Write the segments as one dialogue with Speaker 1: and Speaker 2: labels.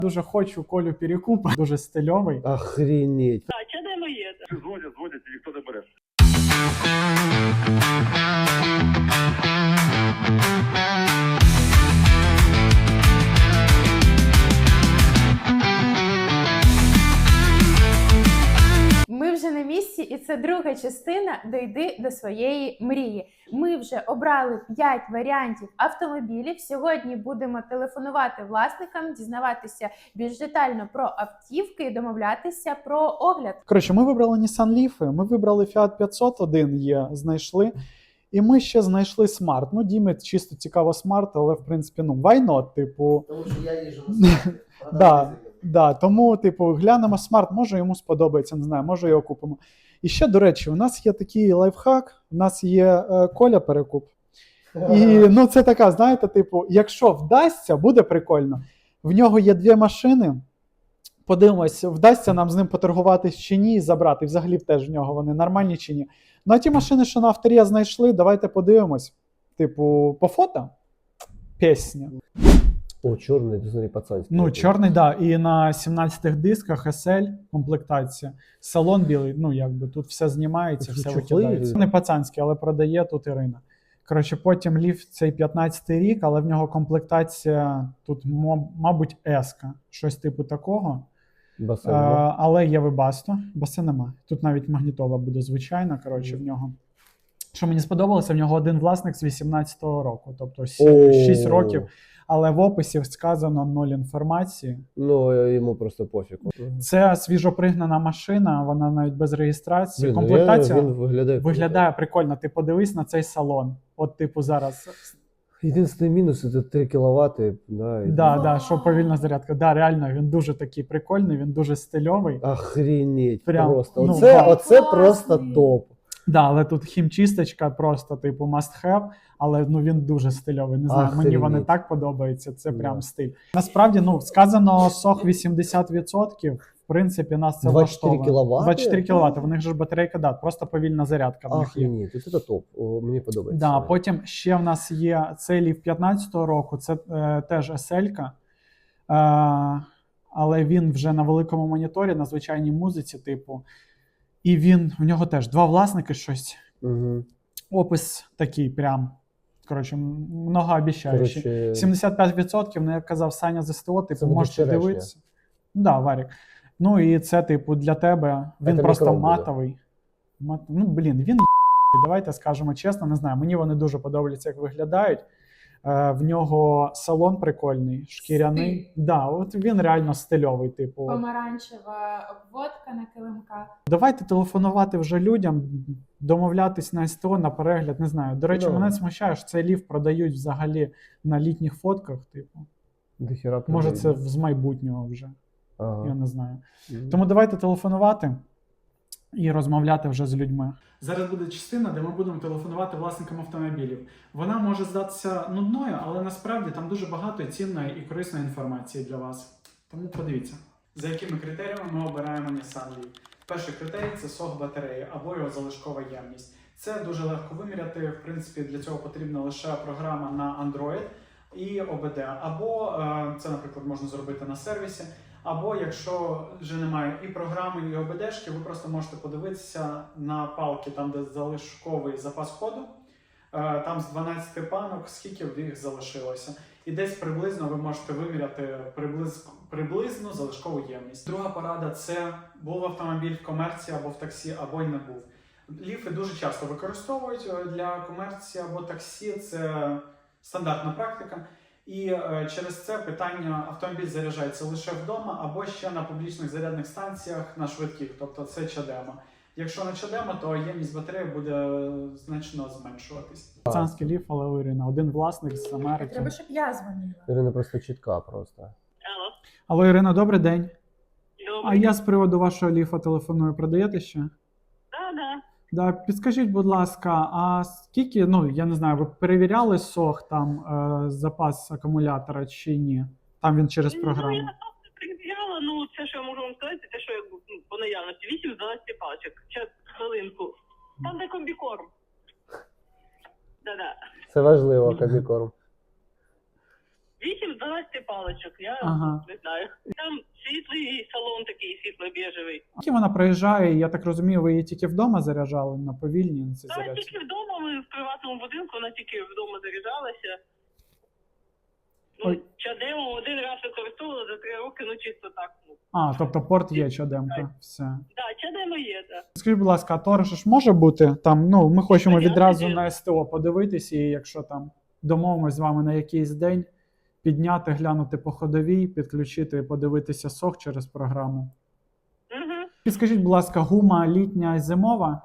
Speaker 1: Дуже хочу Колю Перекупа, дуже стильовий.
Speaker 2: Охренеть.
Speaker 3: Так, чадемо є.
Speaker 4: Дзвонять, і ніхто не бере.
Speaker 5: Ми вже на місці, і це друга частина «Дойди до своєї мрії». Ми вже обрали 5 варіантів автомобілів. Сьогодні будемо телефонувати власникам, дізнаватися більш детально про автівки і домовлятися про огляд.
Speaker 1: Коротше, ми вибрали Nissan Leaf, ми вибрали Fiat 501 є, знайшли. І ми ще знайшли Smart. Ну, Дімі чисто цікаво Smart, але, в принципі, ну, why not, типу...
Speaker 2: Тому що я їжджу на
Speaker 1: Да, да, тому, типу, глянемо Smart, може йому сподобається, не знаю, може його купимо. І ще, до речі, у нас є такий лайфхак, у нас є Коля Перекуп. І, ну, це така, знаєте, типу, якщо вдасться, буде прикольно. В нього є 2 машини, подивимось, вдасться нам з ним поторгуватись чи ні, і забрати. Взагалі теж в нього вони нормальні чи ні. Ну, а ті машини, що на авторія знайшли, давайте подивимось. Типу, по фото? Пісня.
Speaker 2: О, чорний, ти смотри, пацанський.
Speaker 1: Ну, чорний, да, і на 17 дисках SL комплектація. Салон білий, ну, якби тут все знімається,
Speaker 2: Такі
Speaker 1: все
Speaker 2: чохли
Speaker 1: викидається.
Speaker 2: є?
Speaker 1: Не пацанський, але продає тут Ірина. Коротше, потім Leaf цей 15-й рік, але в нього комплектація тут, мабуть, S-ка. Щось типу такого.
Speaker 2: Басейн.
Speaker 1: Але є Webasto, баси нема. Тут навіть магнітола буде звичайна, коротше, в нього. Що мені сподобалося, в нього один власник з 18-го року, тобто 6 років. Але в описі сказано 0 інформації.
Speaker 2: Ну, йому просто пофіг.
Speaker 1: Це свіжопригнана машина, вона навіть без реєстрації.
Speaker 2: Блін,
Speaker 1: Комплектація
Speaker 2: він
Speaker 1: виглядає прикольно. Ти подивись на цей салон. От, типу, зараз.
Speaker 2: Єдиний мінус – це 3 кВт. Да,
Speaker 1: Да, що повільна зарядка. Да, реально, він дуже такий прикольний, він дуже стильовий.
Speaker 2: Охренеть,
Speaker 1: Прям,
Speaker 2: просто.
Speaker 1: ну,
Speaker 2: Оце просто топ.
Speaker 1: Да, але тут хімчисточка просто, типу, must have, але ну, він дуже стильовий. Не знаю, мені вони
Speaker 2: Охренеть.
Speaker 1: так подобаються, це прям
Speaker 2: Да.
Speaker 1: стиль. Насправді, ну, сказано сох 80%, в принципі, нас це
Speaker 2: 24
Speaker 1: влаштовує.
Speaker 2: кіловати?
Speaker 1: 24 кВт, в них же ж батарейка, да, просто повільна зарядка в них є.
Speaker 2: Охренеть, це топ. О, мені подобається.
Speaker 1: Да, потім ще в нас є цей Leaf 15-го року, це теж SL-ка, але він вже на великому моніторі, на звичайній музиці, типу, і в нього теж 2 власники щось.
Speaker 2: Угу.
Speaker 1: Опис такий прям, коротше, многообіцяючий. 75%, ну, як казав Саня з СТО, типу,
Speaker 2: буде
Speaker 1: можете
Speaker 2: вчорашнє.
Speaker 1: дивитися. Да, Варік. Ну, і це, типу, для тебе, він
Speaker 2: Це
Speaker 1: просто
Speaker 2: мікрон буде.
Speaker 1: матовий. Ну, блін, він давайте скажемо чесно, не знаю, мені вони дуже подобаються, як виглядають. В нього салон прикольний, шкіряний. Да, от він реально стильовий, типу.
Speaker 5: Помаранчева обводка на килимках.
Speaker 1: Давайте телефонувати вже людям, домовлятись на СТО, на перегляд, не знаю. До речі,
Speaker 2: Да.
Speaker 1: мене смущає, що цей Leaf продають взагалі на літніх фотках, типу.
Speaker 2: Дохіра
Speaker 1: Може, це
Speaker 2: продають.
Speaker 1: з майбутнього вже,
Speaker 2: Ага.
Speaker 1: я не знаю.
Speaker 2: Мгм.
Speaker 1: Тому давайте телефонувати і розмовляти вже з людьми. Зараз буде частина, де ми будемо телефонувати власникам автомобілів. Вона може здатися нудною, але насправді там дуже багато цінної і корисної інформації для вас. Тому подивіться. За якими критеріями ми обираємо Nissan Leaf? Перший критерій – це сох батареї або його залишкова ємність. Це дуже легко виміряти, в принципі, для цього потрібна лише програма на Android і ОБД. Або це, наприклад, можна зробити на сервісі. Або якщо вже немає і програми, і ОБДшки, ви просто можете подивитися на палки, там де залишковий запас ходу, там з 12 панок, скільки в їх залишилося. І десь приблизно ви можете виміряти приблизно залишкову ємність. Друга порада – це був автомобіль в комерції або в таксі, або й не був. Ліфи дуже часто використовують для комерції або таксі, це стандартна практика. І через це питання автомобіль заряджається лише вдома або ще на публічних зарядних станціях на швидких, тобто це чадема. Якщо не чадема, то ємність батареї буде значно зменшуватись. Пацанський Leaf, але у Ірина, один власник з Америки.
Speaker 5: Треба, щоб я дзвонила.
Speaker 2: Ірина просто чітка просто.
Speaker 3: Алло.
Speaker 1: Алло, Ірина, добрий день. А
Speaker 3: Добре.
Speaker 1: я з приводу вашого Ліфа телефоную. Продаєте ще?
Speaker 3: Да.
Speaker 1: Да, підскажіть, будь ласка, а скільки, ну, я не знаю, ви перевіряли сох, там, запас акумулятора чи ні? Там він через програму.
Speaker 3: Ну, я просто перевіряла, ну, це, що я можу вам сказати, те, що я по наявності. 8 з 12 пачок. Час, хвилинку. Там де комбікорм. Да-да.
Speaker 2: Це важливо, комбікорм.
Speaker 3: 8-12 паличок, я
Speaker 1: Ага.
Speaker 3: не знаю. Там світлий салон такий, світло-біжевий.
Speaker 1: Поки вона проїжджає, я так розумію, ви її тільки вдома заряджали на повільній на цій
Speaker 3: Та
Speaker 1: зарядці?
Speaker 3: тільки вдома, ми в приватному будинку, вона тільки вдома заряджалася.
Speaker 1: Ой.
Speaker 3: Ну, чадему один раз використовувала за 3 роки, ну чисто так. Ну.
Speaker 1: А, тобто порт є, чадемка, все.
Speaker 3: Да, чадемо є, так.
Speaker 1: Скажіть, будь ласка, а торг ж може бути там, ну, ми хочемо
Speaker 3: Звичайно,
Speaker 1: відразу
Speaker 3: є.
Speaker 1: на СТО подивитись, і якщо там домовимось з вами на якийсь день, підняти, глянути по ходовій, підключити, подивитися сох через програму.
Speaker 3: Угу.
Speaker 1: Підскажіть, будь ласка, гума літня і зимова?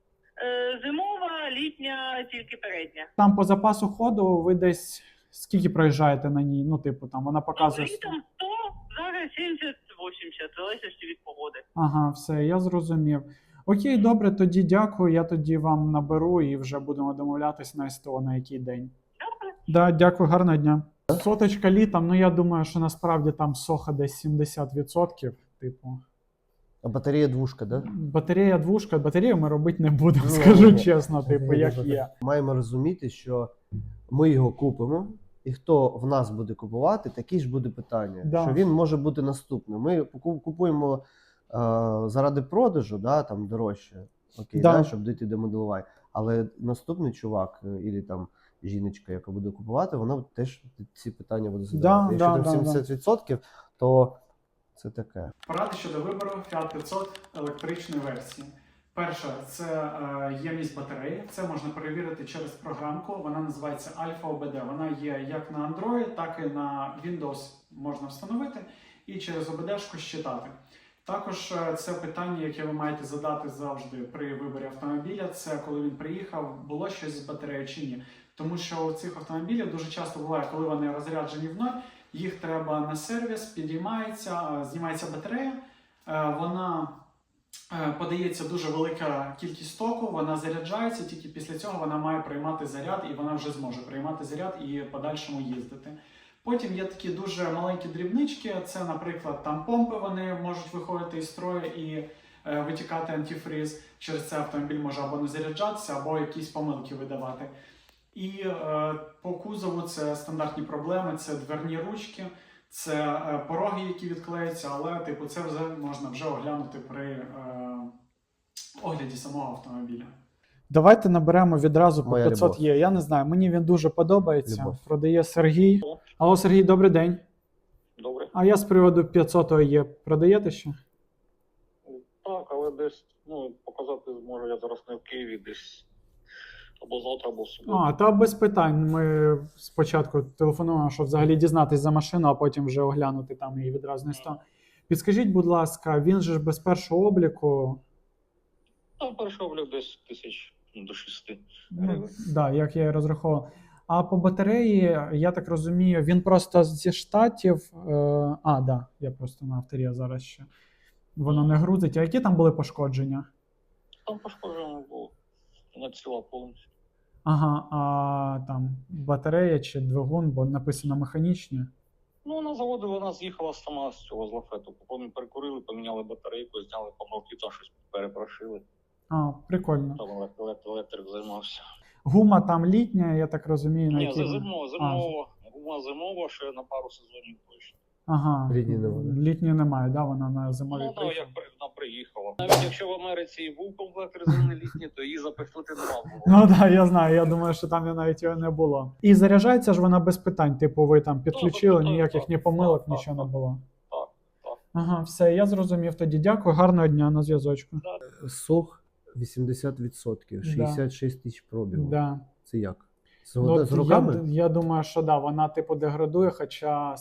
Speaker 3: Зимова, літня, тільки передня.
Speaker 1: Там по запасу ходу ви десь скільки проїжджаєте на ній? Ну, типу, там вона показує.
Speaker 3: Літом 100, зараз 70-80, залежить від погоди.
Speaker 1: Ага, все, я зрозумів. Окей, добре, тоді дякую. Я тоді вам наберу і вже будемо домовлятись на СТО на який день.
Speaker 3: Добре.
Speaker 1: Да, дякую, гарного дня. Соточка літом, ну я думаю, що насправді там соха десь 70%. Типу,
Speaker 2: А батарея двушка, да?
Speaker 1: батарея двушка, батарею ми робити не будемо,
Speaker 2: Ну,
Speaker 1: скажу
Speaker 2: ні.
Speaker 1: чесно, типу, як є.
Speaker 2: Маємо розуміти, що ми його купимо, і хто в нас буде купувати, такі ж буде питання.
Speaker 1: Да.
Speaker 2: Що він може бути наступним. Ми купуємо заради продажу, да, там дорожче, окей,
Speaker 1: Да.
Speaker 2: да, щоб дійти до моделувань. Але наступний чувак, і там жіночка, яка буде купувати, вона теж ці питання буде задавати.
Speaker 1: Да,
Speaker 2: Якщо
Speaker 1: да,
Speaker 2: там
Speaker 1: да,
Speaker 2: 70%, то це таке.
Speaker 1: Поради щодо вибору Fiat 500 електричної версії. Перше, це ємність батареї. Це можна перевірити через програмку. Вона називається Alpha OBD. Вона є як на Android, так і на Windows можна встановити і через OBD-шку щитати. Також це питання, яке ви маєте задати завжди при виборі автомобіля. Це коли він приїхав, було щось з батареєю чи ні. Тому що у цих автомобілів дуже часто буває, коли вони розряджені в ноль, їх треба на сервіс, підіймається, знімається батарея, вона подається дуже велика кількість току, вона заряджається, тільки після цього вона має приймати заряд, і вона вже зможе приймати заряд і в подальшому їздити. Потім є такі дуже маленькі дрібнички, це, наприклад, там помпи, вони можуть виходити із строю і витікати антифриз. Через це автомобіль може або не заряджатися, або якісь помилки видавати. І по кузову це стандартні проблеми, це дверні ручки, це пороги, які відклеються, але типу, це вже можна вже оглянути при огляді самого автомобіля. Давайте наберемо відразу по
Speaker 2: Моя
Speaker 1: 500
Speaker 2: любов.
Speaker 1: є. Я не знаю, мені він дуже подобається.
Speaker 2: Любов.
Speaker 1: Продає Сергій. Алло, Сергій, добрий день.
Speaker 6: Добре.
Speaker 1: А я з приводу 500 є. Продаєте ще?
Speaker 6: Так, але десь, показати зможу я зараз не в Києві, десь або завтра, або в суботу.
Speaker 1: А, та без питань. Ми спочатку телефонуємо, щоб взагалі дізнатись за машину, а потім вже оглянути там її відразу на 100. Підскажіть, будь ласка, він же ж без першого обліку.
Speaker 6: Там перший облік десь 1000 до 6
Speaker 1: Ну,
Speaker 6: гривень.
Speaker 1: да, як я і розраховував. А по батареї, я так розумію, він просто зі штатів. Да, я просто на авторі зараз ще. Воно не грузить. А які там були пошкодження?
Speaker 6: Там пошкоджено було. Вона ціла повністю.
Speaker 1: Ага, а там батарея чи двигун, бо написано механічні.
Speaker 6: На заводі вона з'їхала сама з цього з лафету. Потім перекурили, поміняли батарейку, зняли помилки, там щось перепрошили.
Speaker 1: А, прикольно.
Speaker 6: Там електрик займався.
Speaker 1: Гума там літня, я так розумію, на
Speaker 6: Ні,
Speaker 1: якій...
Speaker 6: зимова. Гума зимова, ще на пару сезонів точно.
Speaker 1: Ага,
Speaker 2: Літньої немає.
Speaker 1: літньої немає, да, вона на зимовій
Speaker 6: Так,
Speaker 1: приїхала.
Speaker 6: як вона приїхала. Навіть якщо в Америці і був комплект резини літній, то її запихнути нема було.
Speaker 1: Ну так, да, я знаю, я думаю, що там навіть його не було. І заряджається ж вона без питань, типу ви там підключили,
Speaker 6: так,
Speaker 1: ніяких
Speaker 6: так,
Speaker 1: ні помилок,
Speaker 6: так,
Speaker 1: нічого не
Speaker 6: так.
Speaker 1: було.
Speaker 6: Так.
Speaker 1: Ага, все, я зрозумів тоді. Дякую, гарного дня, на зв'язочку.
Speaker 2: Сох 80%, 66 тисяч пробігу.
Speaker 1: Да.
Speaker 2: Це як? З,
Speaker 1: Ну, от
Speaker 2: з руками?
Speaker 1: я думаю, що да, вона типу деградує, хоча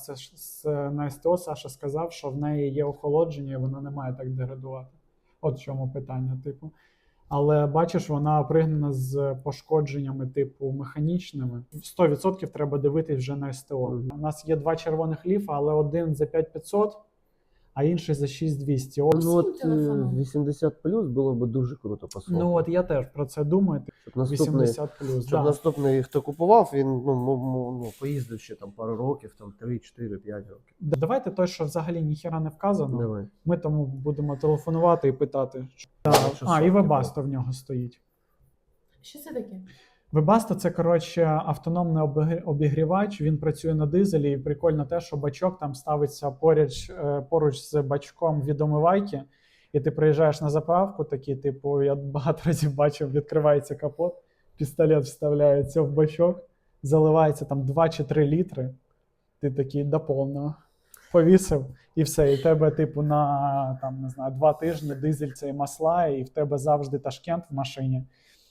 Speaker 1: на СТО Саша сказав, що в неї є охолодження, і вона не має так деградувати. От в чому питання, типу. Але бачиш, вона пригнана з пошкодженнями, типу, механічними. 100% треба дивитись вже на СТО. У нас є 2 червоних ліфа, але один за 5500, а інший за 6200. От,
Speaker 2: Ну, от
Speaker 5: телефоном.
Speaker 2: 80 плюс було б дуже круто по соху.
Speaker 1: ну от я теж про це думаю.
Speaker 2: Щоб наступний,
Speaker 1: 80+,
Speaker 2: щоб
Speaker 1: да.
Speaker 2: наступний, хто купував, він поїздив ще там пару років, там 3, 4, 5 років.
Speaker 1: Давайте той, що взагалі ніхіра не вказано.
Speaker 2: Давай.
Speaker 1: Ми тому будемо телефонувати і питати.
Speaker 2: Що
Speaker 1: І
Speaker 2: сотки
Speaker 1: Webasto в нього стоїть.
Speaker 5: Що це таке?
Speaker 1: Webasto – це, коротше, автономний обігрівач, він працює на дизелі, і прикольно те, що бачок там ставиться поруч з бачком від омивайки, і ти приїжджаєш на заправку, такий, типу, я багато разів бачив, відкривається капот, пістолет вставляється в бачок, заливається там 2 чи 3 літри, ти такий до повного повісив, і все, і в тебе, типу, на, там, не знаю, 2 тижні дизель цей масла, і в тебе завжди Ташкент в машині.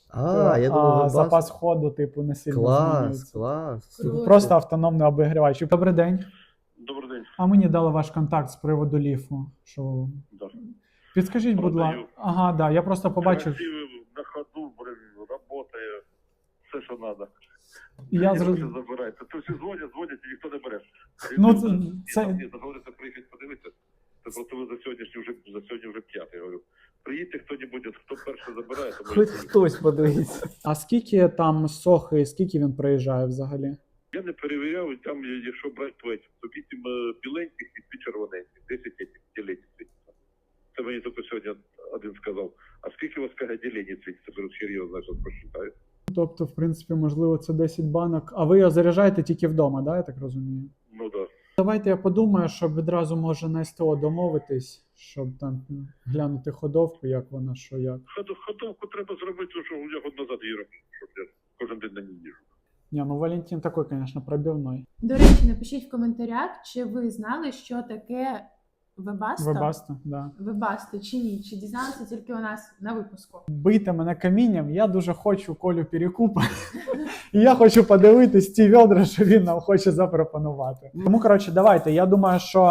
Speaker 2: Я думав, Webasto.
Speaker 1: Запас ходу, типу, не сильно
Speaker 2: Клас,
Speaker 1: змінюється.
Speaker 2: клас.
Speaker 5: Круто.
Speaker 1: Просто автономний обігрівач. Добрий день.
Speaker 4: Добрий день.
Speaker 1: А мені дали ваш контакт з приводу ліфу. Що...
Speaker 4: Да.
Speaker 1: Підскажіть, будь ласка.
Speaker 4: Продаю.
Speaker 1: Ага, да, я просто побачив.
Speaker 4: Красивий, на ходу, работає, все, що треба.
Speaker 1: Я
Speaker 4: Ніхто
Speaker 1: зрозумів.
Speaker 4: не забирає. Це всі дзвонять і ніхто не бере.
Speaker 1: Ну,
Speaker 4: Це...
Speaker 1: це...
Speaker 4: Ні, дозволите приїхати подивитися. Це просто ви за сьогодні вже 5, я говорю. Приїдьте хто-небудь, хто перший забирає, то
Speaker 2: Хоч хтось подивиться.
Speaker 1: А скільки там сохи, скільки він проїжджає взагалі?
Speaker 4: Я не перевіряв, і там, якщо брати плечі, то 8 біленьких і 2 червоненьких, 10 ділень світиться. Це мені тільки сьогодні один сказав. А скільки у вас каже ділень світиться? Беру серйозно, що прочитаю.
Speaker 1: Тобто, в принципі, можливо, це 10 банок. А ви його заряджаєте тільки вдома, да, я так розумію?
Speaker 4: Ну так. Да.
Speaker 1: Давайте я подумаю, щоб відразу може на СТО домовитись, щоб там глянути ходовку, як вона, що як.
Speaker 4: Ходовку треба зробити, що я год назад її робив, щоб я кожен день на ній їжджу.
Speaker 1: Ні, ну Валентин такой, конечно, пробивной.
Speaker 5: До речі, напишіть в коментарях, чи ви знали, що таке Webasto?
Speaker 1: Webasto, да.
Speaker 5: Webasto чи ні? Чи дізналися тільки у нас на випуску?
Speaker 1: Бийте мене камінням, я дуже хочу Колю Перекупа. І я хочу подивитись ті відра, що він нам хоче запропонувати. Тому, коротше, давайте, я думаю, що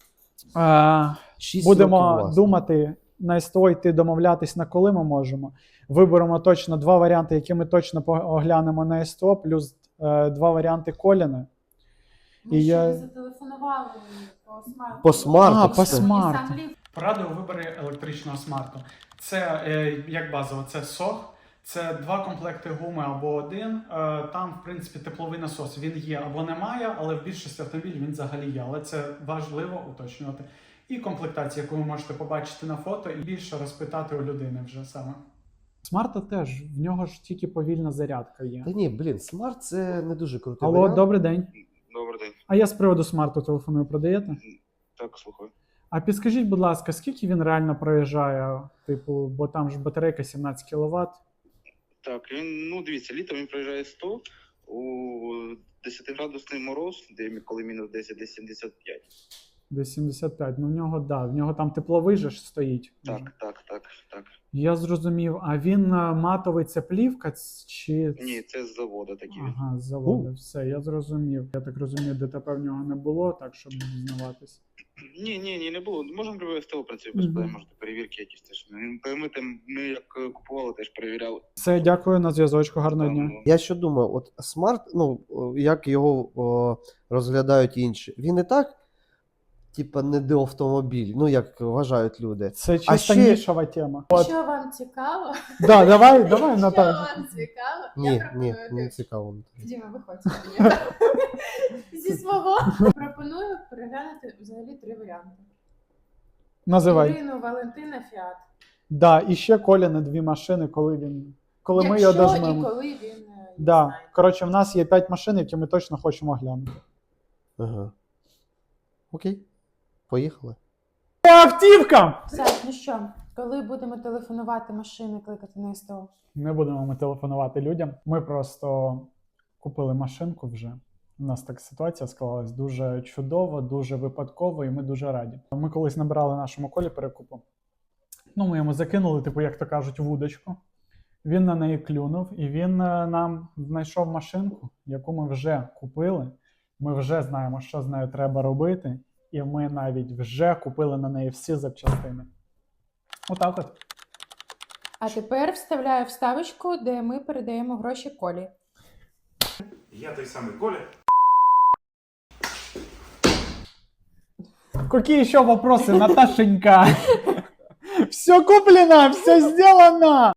Speaker 2: 6 років
Speaker 1: будемо
Speaker 2: власне.
Speaker 1: думати на СТО йти домовлятись, на коли ми можемо. Виберемо точно 2 варіанти, які ми точно оглянемо на СТО, плюс 2 варіанти Коліни.
Speaker 5: Ми
Speaker 1: І
Speaker 5: ще
Speaker 1: я-
Speaker 5: не зателефонували по смарту.
Speaker 2: По смарту.
Speaker 1: А, по
Speaker 2: все.
Speaker 1: смарту.
Speaker 5: І сам ліфт.
Speaker 1: Поради у виборі електричного смарту. Це як базово, це сох, це 2 комплекти гуми або 1. Там, в принципі, тепловий насос він є або немає, але в більшості автомобілів він взагалі є. Але це важливо уточнювати. І комплектація, яку ви можете побачити на фото, і більше розпитати у людини вже саме. Смарта теж, в нього ж тільки повільна зарядка є.
Speaker 2: Та ні, блін, смарт це не дуже крутий
Speaker 1: Алло,
Speaker 2: варіант.
Speaker 1: добрий день.
Speaker 6: Добрий день.
Speaker 1: А я з приводу смарту телефоную, продаєте?
Speaker 6: Так, слухаю.
Speaker 1: А підскажіть, будь ласка, скільки він реально проїжджає? Типу, бо там ж батарейка 17 кВт.
Speaker 6: Так, він, ну дивіться, літом він проїжджає 100, у 10-градусний мороз, коли мінус 10, десь 75.
Speaker 1: Десь 75. Ну в нього, да, в нього там тепловий же ж стоїть.
Speaker 6: Так, так.
Speaker 1: Я зрозумів. А він матовий, це плівка чи...
Speaker 6: Ні, це з заводу такі.
Speaker 1: Ага, з заводу. Все, я зрозумів. Я так розумію, ДТП в нього не було, так, щоб дізнаватись.
Speaker 6: Ні, не було. Можемо любе СТО, в принципі, без
Speaker 1: Мгм.
Speaker 6: проблем, можете перевірки якісь теж. Ми як купували, теж перевіряли.
Speaker 1: Все, дякую, на зв'язочку, гарного дня.
Speaker 2: Я що думаю, от смарт, ну, як його розглядають інші, він і так, типа, не до автомобіль, ну, як вважають люди.
Speaker 1: Це
Speaker 2: А
Speaker 1: чисто
Speaker 2: ще-
Speaker 1: нішова тема. От.
Speaker 5: Що вам цікаво?
Speaker 1: Да, давай,
Speaker 5: Що
Speaker 1: Наталя.
Speaker 5: вам цікаво?
Speaker 2: Ні,
Speaker 5: Я
Speaker 2: ні,
Speaker 5: пропоную
Speaker 2: не цікаво.
Speaker 5: Діма, виходь зі свого. Пропоную переглянути взагалі 3 варіанти.
Speaker 1: Називай.
Speaker 5: Ірину, Валентина, Фіат.
Speaker 1: Да, і ще Коля на 2 машини, коли ми його
Speaker 5: Якщо і
Speaker 1: дожмемо.
Speaker 5: коли він їх
Speaker 1: Да.
Speaker 5: знає.
Speaker 1: Коротше, в нас є 5 машин, які ми точно хочемо глянути.
Speaker 2: Ага. Окей, поїхали.
Speaker 1: По автівкам!
Speaker 5: Саш, ну що, коли будемо телефонувати машини, кликати на СТО?
Speaker 1: Не будемо ми телефонувати людям. Ми просто купили машинку вже. У нас так ситуація склалась дуже чудово, дуже випадково, і ми дуже раді. Ми колись набирали нашому Колі Перекупу. Ну, ми йому закинули, типу, як то кажуть, вудочку. Він на неї клюнув, і він нам знайшов машинку, яку ми вже купили. Ми вже знаємо, що з нею треба робити, і ми навіть вже купили на неї всі запчастини. Отак от.
Speaker 5: А тепер вставляю вставочку, де ми передаємо гроші Колі.
Speaker 7: Я той самый Коля.
Speaker 1: Какие еще вопросы, Наташенька? Все куплено, все сделано!